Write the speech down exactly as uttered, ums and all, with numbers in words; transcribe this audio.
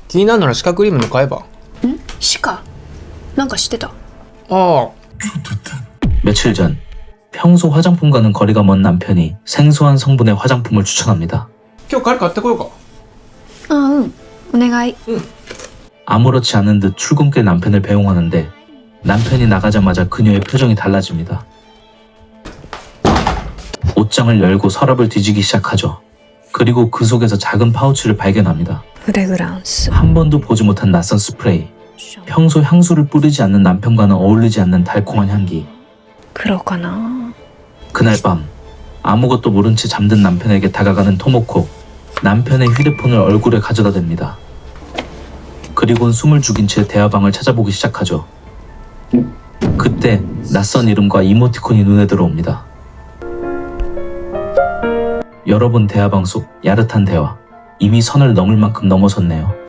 気になるなら歯科クリームの買えば。 ん歯科なんか知ってた。 ああ、 며칠 전 평소 화장품과는 거리가 먼 남편이 생소한 성분의 화장품을 추천합니다. 今日帰り買ってこようか。 あうんお願い。 아무렇지 않은 듯 출근길 남편을 배웅하는데 남편이 나가자마자 그녀의 표정이 달라집니다. 옷장을 열고 서랍을 뒤지기 시작하죠. 그리고 그 속에서 작은 파우치를 발견합니다. フレグランス 한 번도 보지 못한 낯선 스프레이. 평소 향수를 뿌리지 않는 남편과는 어울리지 않는 달콤한 향기. 黒かな。 그날 밤 아무것도 모른 채 잠든 남편에게 다가가는 토모코. 남편의 휴대폰을 얼굴에 가져다 댑니다. 그리고는 숨을 죽인 채 대화방을 찾아보기 시작하죠. 그때 낯선 이름과 이모티콘이 눈에 들어옵니다. 여러 번 대화방 속 야릇한 대화. 이미 선을 넘을 만큼 넘어섰네요.